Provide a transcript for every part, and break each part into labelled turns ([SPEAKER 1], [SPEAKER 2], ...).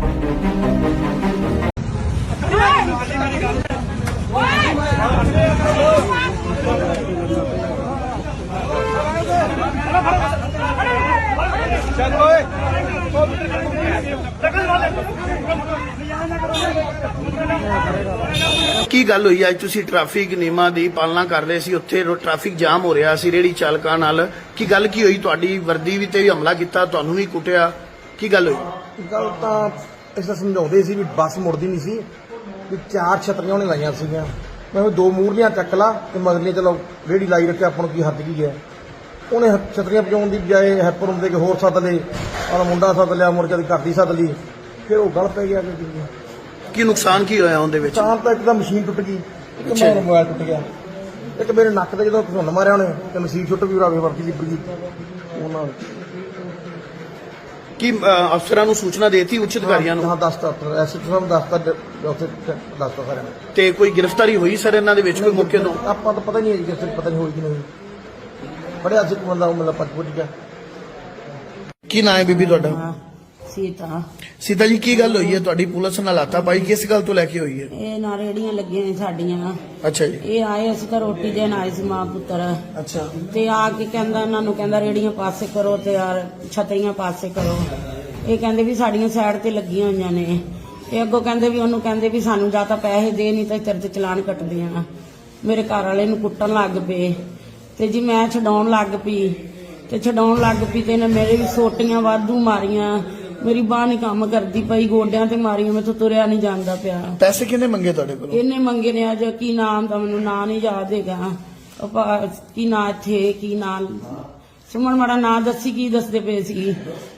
[SPEAKER 1] ਕੀ ਗੱਲ ਹੋਈ ਅੱਜ ਤੁਸੀਂ ਟ੍ਰੈਫਿਕ ਨਿਯਮਾਂ ਦੀ ਪਾਲਣਾ ਕਰ ਰਹੇ ਸੀ, ਉੱਥੇ ਟ੍ਰੈਫਿਕ ਜਾਮ ਹੋ ਰਿਹਾ ਸੀ ਰੇਹੜੀ ਚਾਲਕਾਂ ਨਾਲ, ਕੀ ਗੱਲ ਕੀ ਹੋਈ? ਤੁਹਾਡੀ ਵਰਦੀ ਵੀ ਤੇ ਵੀ ਹਮਲਾ ਕੀਤਾ, ਤੁਹਾਨੂੰ ਵੀ ਕੁੱਟਿਆ, ਕੀ ਗੱਲ ਹੋਈ?
[SPEAKER 2] ਗੱਲ ਤਾਂ ਇਸ ਤਰ੍ਹਾਂ ਸਮਝਾਉਂਦੇ ਸੀ ਵੀ ਬੱਸ ਮੁੜਦੀ ਨਹੀਂ ਸੀ, ਵੀ 4 ਛਤਰੀਆਂ ਉਹਨੇ ਲਾਈਆਂ ਸੀਗੀਆਂ। ਮੈਂ 2 ਮੂਹਰਲੀਆਂ ਚੱਕ ਲਾ ਤੇ ਮਗਰਲੀਆਂ ਚਲੋ ਰੇਹੜੀ ਲਾਈ ਰੱਖਿਆ, ਆਪਾਂ ਨੂੰ ਕੀ ਹੱਦ ਕੀ ਹੈ। ਉਹਨੇ ਛਤਰੀਆਂ ਪਜਾਉਣ ਦੀ ਬਜਾਏ ਹੈਪਰ ਹੁੰਦੇ ਕਿ ਹੋਰ ਸੱਦ ਲਏ, ਔਰ ਮੁੰਡਾ ਸੱਦ ਲਿਆ, ਮੁੜ ਕੇ ਘਰ ਦੀ ਸੱਦ ਲਈ, ਫਿਰ ਉਹ ਗਲ ਪੈ ਗਿਆ।
[SPEAKER 1] ਕੀ ਨੁਕਸਾਨ ਕੀ ਹੋਇਆ ਉਹਦੇ ਵਿੱਚ?
[SPEAKER 2] ਨੁਕਸਾਨ ਤਾਂ ਇੱਕ ਤਾਂ ਮਸ਼ੀਨ ਟੁੱਟ ਗਈ, ਇੱਕ ਮੇਰਾ ਮੋਬਾਈਲ ਟੁੱਟ ਗਿਆ, ਇੱਕ ਮੇਰੇ ਨੱਕ ਤੇ ਜਦੋਂ ਘੁੰਨ ਮਾਰਿਆ ਉਹਨੇ ਤੇ ਮਸ਼ੀਨ ਛੁੱਟ ਵੀ ਰਾਵੇ ਵਰਤੀ ਲਿਪ ਗਈ ਉਹਨਾਂ।
[SPEAKER 1] ਕੀ ਅਫਸਰਾਂ ਨੂੰ ਸੂਚਨਾ ਦੇਤੀ, ਉੱਚ ਅਧਿਕਾਰੀਆਂ ਨੂੰ?
[SPEAKER 2] ਹਾਂ, ਦੱਸਤਾ ਐਸਐਚਓ ਸਾਹਿਬ ਦੱਸਤਾ, ਉੱਥੇ ਦੱਸਤਾ ਸਾਰਿਆਂ ਨੂੰ।
[SPEAKER 1] ਤੇ ਕੋਈ ਗ੍ਰਿਫਤਾਰੀ ਹੋਈ ਸਰ ਇਹਨਾਂ ਦੇ ਵਿੱਚ ਕੋਈ ਮੌਕੇ ਤੋਂ?
[SPEAKER 2] ਆਪਾਂ ਤਾਂ ਪਤਾ ਨਹੀਂ ਹੈ ਜੀ, ਪਤਾ ਨਹੀਂ ਹੋਈ ਕਿ ਨਹੀਂ ਫੜਿਆ ਸੀ ਬੰਦਾ, ਉਹ ਮਤਲਬ ਪੁੱਜ ਗਿਆ।
[SPEAKER 1] ਕੀ ਨਾਂ ਹੈ ਬੀਬੀ ਤੁਹਾਡਾ?
[SPEAKER 3] ਸੀਤਾ।
[SPEAKER 1] ਸੀਤਾ ਜੀ, ਕੀ ਗੱਲ ਹੋਈ ਹੈ ਤੁਹਾਡੀ ਪੁਲਿਸ ਨਾਲ ਹਾਤਾਪਾਈ ਕਿਸ ਗੱਲ ਤੋਂ ਲੈ ਕੇ ਹੋਈ ਹੈ?
[SPEAKER 3] ਇਹ ਨਾ ਰੇੜੀਆਂ ਲੱਗੀਆਂ ਨੇ ਸਾਡੀਆਂ।
[SPEAKER 1] ਅੱਛਾ ਜੀ।
[SPEAKER 3] ਇਹ ਆਏ, ਅਸੀਂ ਤਾਂ ਰੋਟੀ ਦੇਣ ਆਏ ਸੀ ਮਾਂ ਪੁੱਤਰ।
[SPEAKER 1] ਅੱਛਾ।
[SPEAKER 3] ਤੇ ਆ ਕੇ ਕਹਿੰਦਾ ਇਹਨਾਂ ਨੂੰ, ਕਹਿੰਦਾ ਰੇੜੀਆਂ ਪਾਸੇ ਕਰੋ ਤੇ ਯਾਰ ਛਤਰੀਆਂ ਪਾਸੇ ਕਰੋ। ਇਹ ਕਹਿੰਦੇ ਵੀ ਸਾਡੀਆਂ ਸਾਈਡ ਤੇ ਲੱਗੀਆਂ ਹੋਈਆਂ ਨੇ। ਇਹ ਅੱਗੋਂ ਕਹਿੰਦੇ ਵੀ ਉਹਨੂੰ ਕਹਿੰਦੇ ਵੀ ਸਾਨੂੰ ਜਾਂ ਤਾਂ ਪੈਸੇ ਦੇ, ਨਹੀਂ ਤਾਂ ਤੇਰੇ ਤੇ ਚਲਾਨ ਕੱਟਦੇ ਆ। ਮੇਰੇ ਘਰ ਵਾਲੇ ਨੂੰ ਕੁੱਟਣ ਲੱਗ ਪਏ ਤੇ ਜੀ ਮੈਂ ਛਡਾਉਣ ਲੱਗ ਪਈ ਤੇ ਤੇ ਇਹਨੇ ਮੇਰੇ ਵੀ ਸੋਟੀਆਂ ਵਾਧੂ ਮਾਰੀਆਂ। ਮੇਰੀ ਬਾਂਹ ਨਹੀਂ ਕੰਮ ਕਰਦੀ ਪਈ, ਗੋਡਿਆਂ ਤੇ ਮਾਰੀਆਂ, ਮੈਥੋਂ ਤੁਰਿਆ ਨਹੀਂ ਜਾਂਦਾ ਪਿਆ।
[SPEAKER 1] ਪੈਸੇ ਕਿਹਨੇ ਮੰਗੇ ਤੁਹਾਡੇ ਕੋਲ?
[SPEAKER 3] ਇਹਨੇ ਮੰਗੇ ਨੇ। ਅੱਜ ਕੀ ਨਾਮ ਦਾ ਮੈਨੂੰ ਨਾਂ ਨਹੀਂ ਯਾਦ ਹੈਗਾ। ਕੀ ਨਾਂ ਇੱਥੇ, ਕੀ ਨਾਂ ਸੁਮਨ, ਮਾੜਾ ਨਾਂ ਦੱਸੀ, ਕੀ ਦੱਸਦੇ ਪਏ ਸੀ।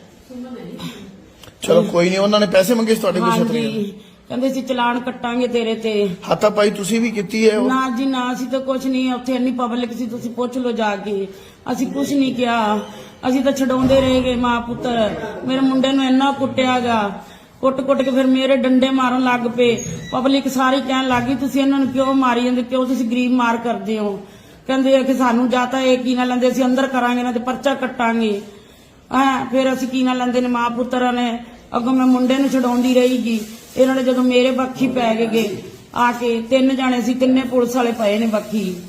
[SPEAKER 1] ਚਲੋ ਕੋਈ ਨਹੀਂ, ਉਹਨਾਂ ਨੇ ਪੈਸੇ ਮੰਗੇ ਸੀ ਤੁਹਾਡੇ ਕੋਲ?
[SPEAKER 3] ਹਾਂਜੀ, ਕਹਿੰਦੇ ਸੀ ਚਲਾਨ ਕੱਟਾਂਗੇ ਤੇਰੇ ਤੇ।
[SPEAKER 1] ਹਾਤਾਪਾਈ ਤੁਸੀਂ ਵੀ ਕੀਤੀ ਹੈ?
[SPEAKER 3] ਨਾ ਜੀ ਨਾ, ਅਸੀਂ ਤਾਂ ਕੁਝ ਨਹੀਂ, ਉੱਥੇ ਇੰਨੀ ਪਬਲਿਕ ਸੀ, ਤੁਸੀਂ ਪੁੱਛ ਲਓ ਜਾ ਕੇ। ਅਸੀਂ ਕੁਝ ਨਹੀਂ ਕਿਹਾ, ਅਸੀਂ ਤਾਂ ਛਡਾਉਂਦੇ ਰਹੇ ਗਏ ਮਾਂ ਪੁੱਤਰ। ਮੇਰੇ ਮੁੰਡੇ ਨੂੰ ਇੰਨਾ ਕੁੱਟਿਆਗਾ, ਕੁੱਟ ਕੇ ਫਿਰ ਮੇਰੇ ਡੰਡੇ ਮਾਰਨ ਲੱਗ ਪਏ। ਪਬਲਿਕ ਸਾਰੀ ਕਹਿਣ ਲੱਗ ਗਈ ਤੁਸੀਂ ਇਹਨਾਂ ਨੂੰ ਕਿਉਂ ਮਾਰੀ ਜਾਂਦੇ, ਕਿਉਂ ਤੁਸੀਂ ਗਰੀਬ ਮਾਰ ਕਰਦੇ ਹੋ। ਕਹਿੰਦੇ ਆ ਕਿ ਸਾਨੂੰ ਜਾਂ ਤਾਂ ਇਹ ਕੀ ਨਾ ਲੈਂਦੇ, ਅਸੀਂ ਅੰਦਰ ਕਰਾਂਗੇ ਨਾ ਤੇ ਪਰਚਾ ਕੱਟਾਂਗੇ। ਫਿਰ ਅਸੀਂ ਕੀ ਨਾ ਲੈਂਦੇ ਨੇ ਮਾਂ ਪੁੱਤਰਾਂ ਨੇ। ਅੱਗੋਂ ਮੈਂ ਮੁੰਡੇ ਨੂੰ ਛਡਾਉਂਦੀ ਰਹੀਗੀ, ਇਹਨਾਂ ਨੇ ਜਦੋਂ ਮੇਰੇ ਬੱਖੀ ਪੈ ਗਏ ਆ ਕੇ 3 ਜਾਣੇ ਸੀ, 3 ਪੁਲਿਸ ਵਾਲੇ ਪਏ ਨੇ ਬੱਖੀ।